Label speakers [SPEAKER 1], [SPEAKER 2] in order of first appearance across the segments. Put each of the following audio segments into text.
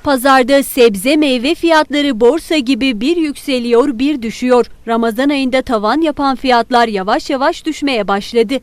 [SPEAKER 1] Pazarda sebze meyve fiyatları borsa gibi bir yükseliyor bir düşüyor. Ramazan ayında tavan yapan fiyatlar yavaş yavaş düşmeye başladı.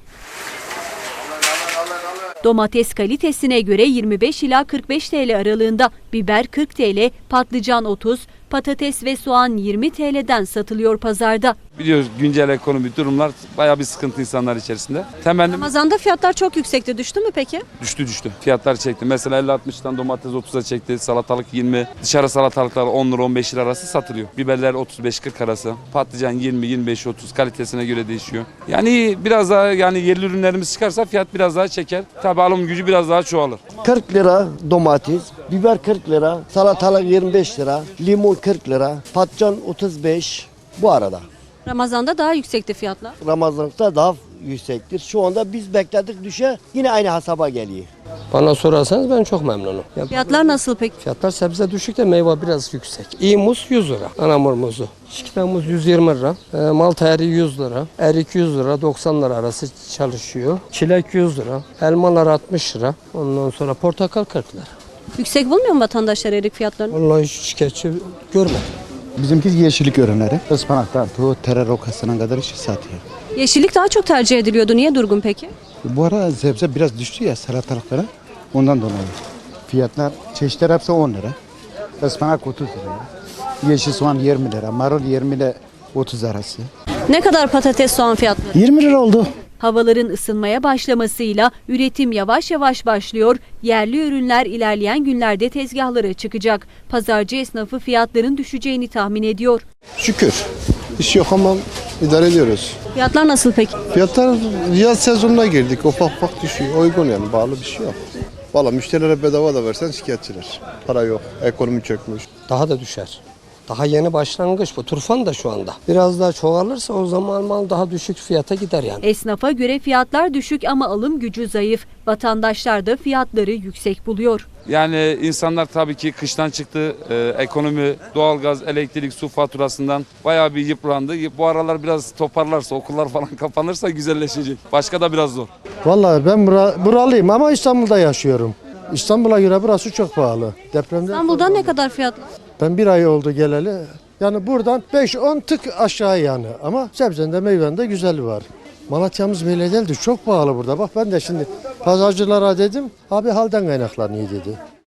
[SPEAKER 1] Domates kalitesine göre 25 ila 45 TL aralığında, biber 40 TL, patlıcan 30, patates ve soğan 20 TL'den satılıyor pazarda.
[SPEAKER 2] Biliyoruz güncel ekonomi durumlar bayağı bir sıkıntı insanlar içerisinde. Temennim
[SPEAKER 3] Ramazan'da fiyatlar çok yüksekti. Düştü mü peki?
[SPEAKER 2] düştü. Fiyatlar çekti. Mesela 50-60'tan domates 30'a çekti. Salatalık 20. Dışarı salatalıklar 10 lira 15 lira arası satılıyor. Biberler 35-40 arası. Patlıcan 20-25-30 kalitesine göre değişiyor. Yani biraz daha yerli ürünlerimiz çıkarsa fiyat biraz daha çeker. Tabii alım gücü biraz daha çoğalır.
[SPEAKER 4] 40 lira domates, biber 40 lira, salatalık 25 lira, limon 40 lira, patlıcan 35 bu arada.
[SPEAKER 3] Ramazan'da daha yüksekti fiyatlar.
[SPEAKER 4] Ramazan'da daha yüksektir. Şu anda biz bekledik düşe yine aynı hesaba geliyor.
[SPEAKER 5] Bana sorarsanız ben çok memnunum.
[SPEAKER 3] Fiyatlar nasıl peki?
[SPEAKER 5] Fiyatlar sebze düşük de meyve biraz yüksek. İyi muz 100 lira. Anamur muzu. Şikita muz 120 lira. Malta eriği 100 lira. Erik 100 lira 90 lira arası çalışıyor. Çilek 100 lira. Elmalar 60 lira. Ondan sonra portakal 40 lira.
[SPEAKER 3] Yüksek bulmuyor mu vatandaşlar erik fiyatlarını?
[SPEAKER 5] Vallahi hiç şikayetçi görmedim.
[SPEAKER 6] Bizimki yeşillik ürünleri. Ispanaktan tut, terör rokasına kadar işi satıyor.
[SPEAKER 3] Yeşillik daha çok tercih ediliyordu. Niye durgun peki?
[SPEAKER 6] Bu ara sebze biraz düştü ya salatalıklara. Ondan dolayı. Fiyatlar, çeşitler hepsi 10 lira. Ispanak 30 lira. Yeşil soğan 20 lira. Marul 20 ile 30 arası.
[SPEAKER 3] Ne kadar patates soğan fiyatları?
[SPEAKER 6] 20 lira oldu.
[SPEAKER 1] Havaların ısınmaya başlamasıyla üretim yavaş yavaş başlıyor. Yerli ürünler ilerleyen günlerde tezgahlara çıkacak. Pazarcı esnafı fiyatların düşeceğini tahmin ediyor.
[SPEAKER 7] Şükür. İş yok ama idare ediyoruz.
[SPEAKER 3] Fiyatlar nasıl peki?
[SPEAKER 7] Fiyatlar yaz sezonuna girdik. Ufak ufak düşüyor. Uygun yani. Bağlı bir şey yok. Valla müşterilere bedava da versen şikayetçiler. Para yok. Ekonomi çökmüş.
[SPEAKER 5] Daha da düşer. Daha yeni başlangıç bu. Turfan da şu anda. Biraz daha çoğalırsa o zaman mal daha düşük fiyata gider yani.
[SPEAKER 1] Esnafa göre fiyatlar düşük ama alım gücü zayıf. Vatandaşlar da fiyatları yüksek buluyor.
[SPEAKER 2] Yani insanlar tabii ki kıştan çıktı. Ekonomi, doğalgaz, elektrik, su faturasından bayağı bir yıprandı. Bu aralar biraz toparlarsa, okullar falan kapanırsa güzelleşecek. Başka da biraz zor.
[SPEAKER 8] Vallahi ben buralıyım ama İstanbul'da yaşıyorum. İstanbul'a göre burası çok pahalı. Depremde
[SPEAKER 3] İstanbul'dan ne kadar fiyatlar?
[SPEAKER 8] ben bir ay oldu geleli. Yani buradan 5-10 tık aşağı yani. Ama sebzende meyvende güzeli var. Malatya'mız böyle değildi. Çok pahalı burada. Bak ben de şimdi pazarcılara dedim. Abi halden kaynaklanıyor dedi.